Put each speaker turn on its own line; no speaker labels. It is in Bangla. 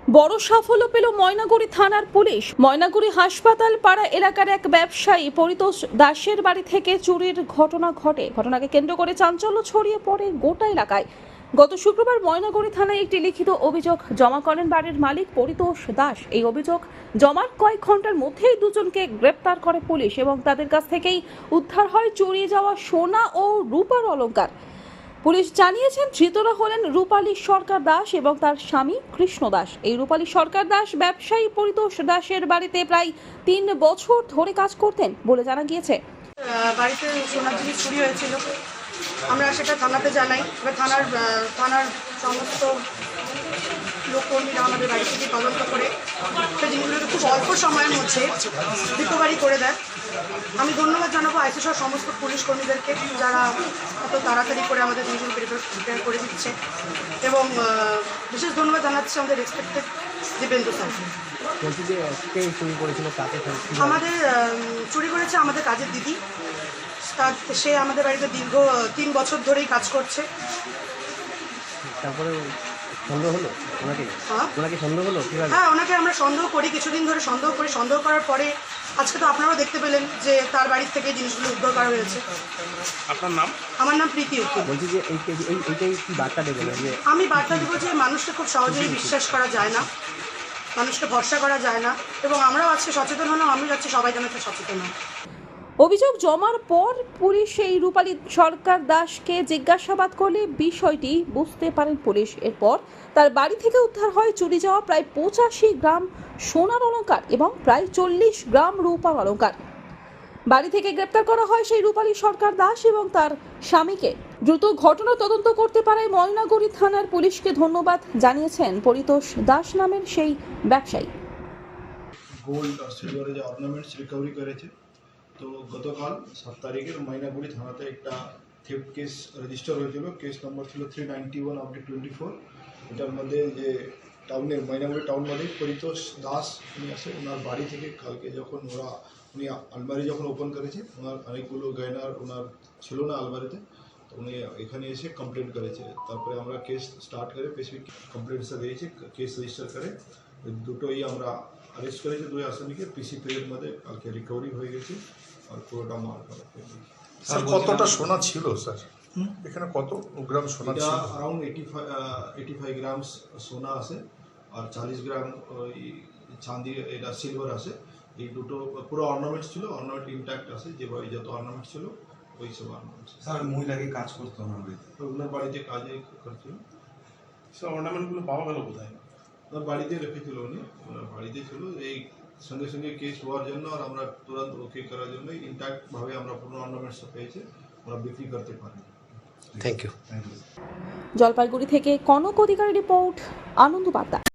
বড় সাফল্য পেল ময়নাগুড়ি থানার পুলিশ। ময়নাগুড়ি হাসপাতাল পাড়া এলাকার এক ব্যবসায়ী পরিতোষ দাসের বাড়ি থেকে চুরির ঘটনা ঘটে। ঘটনাকে কেন্দ্র করে চাঞ্চল্য ছড়িয়ে পড়ে গোটা এলাকায়। গত শুক্রবার ময়নাগুড়ি থানায় একটি লিখিত অভিযোগ জমা করেন বাড়ির মালিক পরিতোষ দাস। এই অভিযোগ জমার কয়েক ঘন্টার মধ্যেই দুজনকে গ্রেপ্তার করে পুলিশ এবং তাদের কাছ থেকেই উদ্ধার হয় চুরি যাওয়া সোনা ও রূপার অলংকার। পুলিশ জানিয়েছেন ধৃতরা হলেন রূপালী সরকার দাস এবং তার স্বামী কৃষ্ণ দাস। এই রূপালী সরকার দাস ব্যবসায়ী পরিতোষ দাসের বাড়িতে প্রায় 3 বছর ধরে কাজ করতেন বলে জানা গিয়েছে।
বাড়িতে সোনার জিনিস চুরি হয়েছিল, আমরা সেটা থানাতে জানাই। এবার থানার সমস্ত লোককর্মীরা আমাদের বাড়ি থেকে তদন্ত করে সেই জিনিসগুলোকে খুব অল্প সময়ের মধ্যে রিকভারি করে দেয়। আমি ধন্যবাদ জানাবো আইসিসহ সমস্ত পুলিশ কর্মীদেরকে, যারা এত তাড়াতাড়ি করে আমাদের জিনিসগুলো প্রিপেয়ার করে দিচ্ছে, এবং বিশেষ ধন্যবাদ জানাচ্ছি আমাদের রেসপেক্টেড দীপেন্দু স্যার। আমাদের চুরি করেছে আমাদের কাজের দিদি। সে আমাদের বাড়িতে দীর্ঘ 3 বছর ধরেই কাজ করছে।
তারপরে সন্দেহ হলো ওনাকে সন্দেহ হলো কিভাবে?
হ্যাঁ, ওনাকে আমরা সন্দেহ করি, কিছুদিন ধরে সন্দেহ করি। সন্দেহ করার পরে আজকে তো আপনারাও দেখতে পেলেন যে তার বাড়ির থেকে জিনিসগুলো উদ্ধার করা হয়েছে।
আপনার নাম?
আমার নাম প্রীতি উকিল।
বলছি যে এইটাই কি বার্তা দেবেন?
আমি বার্তা দেবো যে মানুষকে খুব সহজেই বিশ্বাস করা যায় না, মানুষকে ভরসা করা যায় না, এবং আমরাও আজকে সচেতন হলাম। আমি যাচ্ছি সবাই যেন একটু সচেতন হয়।
অভিযোগ জমার পর পুলিশ এই রূপালী সরকার দাসকে জিজ্ঞাসাবাদ করলে বিষয়টি বুঝতে পারেন পুলিশ। এরপর তার বাড়ি থেকে উদ্ধার হয় চুরি যাওয়া প্রায় 85 গ্রাম সোনার অলংকার এবং প্রায় 40 গ্রাম রূপার অলংকার। বাড়ি থেকে গ্রেপ্তার করা হয় সেই রূপালী সরকার দাস এবং তার স্বামীকে। দ্রুত ঘটনা তদন্ত করতে পারায় ময়নাগুড়ি থানার পুলিশকে ধন্যবাদ জানিয়েছেন পরিতোষ দাস নামের সেই ব্যবসায়ী।
গোল্ড আর সিলভারের যে অর্নামেন্টস রিকভারি করেছে। তো গতকাল 7 তারিখে ময়নাগুড়ি থানাতে একটা থেফট কেস রেজিস্টার হয়েছিল। কেস নম্বর ছিল 391/24। এটার মধ্যে যে টাউনের ময়নাগুড়ি টাউন মালিক পরিতোষ দাস উনি আসে। ওনার বাড়ি থেকে কালকে যখন উনি আলমারি যখন ওপেন করেছে, ওনার অনেকগুলো গয়নার ওনার ছিল না আলমারিতে, তো উনি এখানে এসে কমপ্লেন করেছে। তারপরে আমরা কেস স্টার্ট করে স্পেসিফিক কমপ্লেন্টসটা দিয়েছি, কেস রেজিস্টার করে দুটোই আমরা अरेस्ट करेছে। 2 আসামিকে পিসি পিরিয়ড মধ্যে কালকে রিকভারি হয়ে গেছে আর পুরোটা মাল করা হয়েছে।
স্যার কতটা সোনা ছিল স্যার? এখানে কত গ্রাম সোনা ছিল?
अराउंड 85 গ্রাম সোনা আছে আর 40 গ্রাম চাঁদি এটা সিলভার আছে। এই দুটো পুরো অর্নামেন্টস ছিল, অর্নামেন্ট ইনট্যাক্ট আছে, যেভাবে যত অর্নামেন্টস ছিল ওই সব অর্নামেন্টস।
স্যার মহিলাকে কাজ করতে হবে,
ওনার বাড়িতে কাজে করছিল।
স্যার অর্নামেন্টগুলো পাওয়া গেল কোথায়?
ওনার বাড়িতে রেখেছিল উনি, ওনার বাড়িতে ছিল। এই সঙ্গে সঙ্গে কেস হওয়ার জন্য আর আমরা তুরন্ত ওকে করার জন্য ইনট্যাক্টভাবে আমরা পুরো অর্নামেন্টস পেয়েছে, ওরা বিক্রি করতে পারি।
Thank you.
জলপাইগুড়ি থেকে কনক অধিকারী রিপোর্ট, আনন্দ বার্তা।